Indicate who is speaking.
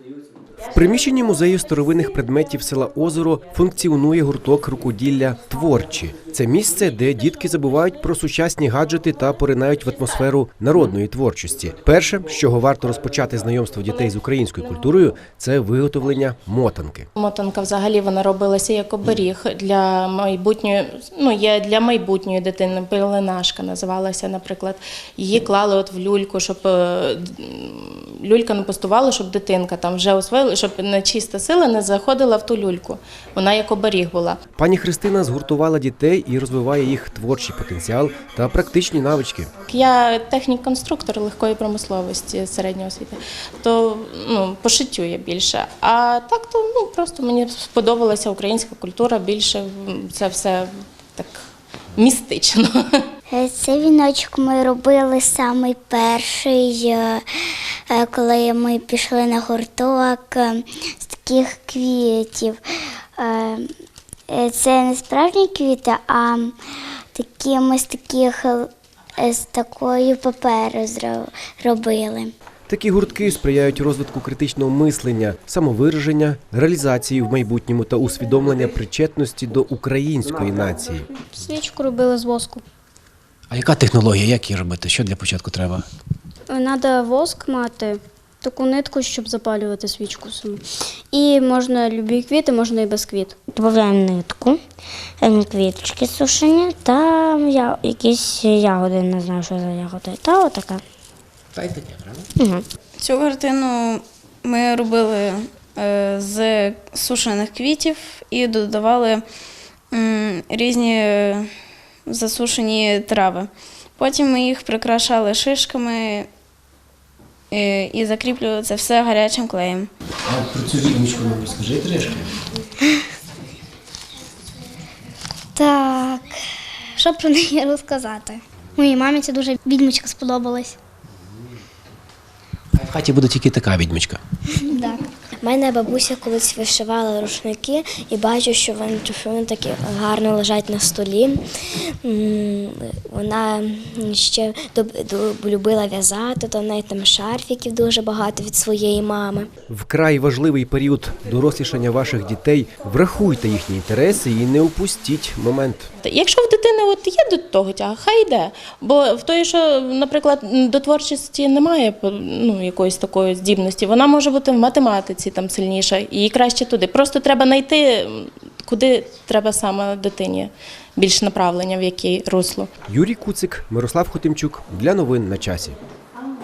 Speaker 1: В приміщенні музею старовинних предметів села Озеро функціонує гурток рукоділля «Творчі». Це місце, де дітки забувають про сучасні гаджети та поринають в атмосферу народної творчості. Перше, з чого варто розпочати знайомство дітей з українською культурою, це виготовлення мотанки.
Speaker 2: Мотанка взагалі вона робилася як оберіг для майбутньої, є для майбутньої дитини. Пеленашка називалася, наприклад. Її клали от в люльку, щоб люлька не пустувала, щоб дитинка там вже освоїла, щоб нечиста сила не заходила в ту люльку. Вона як оберіг була.
Speaker 1: Пані Христина згуртувала дітей і розвиває їх творчий потенціал та практичні навички.
Speaker 2: Я технік-конструктор легкої промисловості середньої освіти, то по шиттю я більше. А так то просто мені сподобалася українська культура, більше це все так містично.
Speaker 3: Цей віночок ми робили самий перший, коли ми пішли на гурток з таких квітів. Це не справжні квіти, а такі ми з такої паперу робили.
Speaker 1: Такі гуртки сприяють розвитку критичного мислення, самовираження, реалізації в майбутньому та усвідомлення причетності до української нації.
Speaker 4: Свічку робили з воску.
Speaker 5: А яка технологія, як її робити? Що для початку треба?
Speaker 4: Треба воск мати, таку нитку, щоб запалювати свічку саму. І можна любі квіти, можна і без квіт.
Speaker 6: Додаємо нитку, квіточки сушені та якісь ягоди, не знаю, що за ягоди. Та отака.
Speaker 5: Правда?
Speaker 7: Цю картину ми робили з сушених квітів і додавали різні засушені трави. Потім ми їх прикрашали шишками і закріплювали це все гарячим клеєм.
Speaker 5: А про цю відмічку нам розкажи трішки.
Speaker 3: Так, що про неї розказати? Моїй мамі це дуже відьмочка сподобалась.
Speaker 5: В хаті буде тільки така відмічка.
Speaker 3: Так.
Speaker 6: У мене бабуся колись вишивала рушники і бачу, що вони такі гарно лежать на столі. Вона ще любила в'язати, то в неї там шарфіків дуже багато від своєї мами.
Speaker 1: Вкрай важливий період дорослішання ваших дітей. Врахуйте їхні інтереси і не упустіть момент.
Speaker 2: Якщо в дитини є до того тяга, хай йде. Бо в той, що, наприклад, до творчості немає якоїсь такої здібності, вона може бути в математиці там сильніша, і їй краще туди. Просто треба знайти, куди треба саме дитині більш направлення, в яке русло.
Speaker 1: Юрій Куцик, Мирослав Хотимчук. Для новин на часі.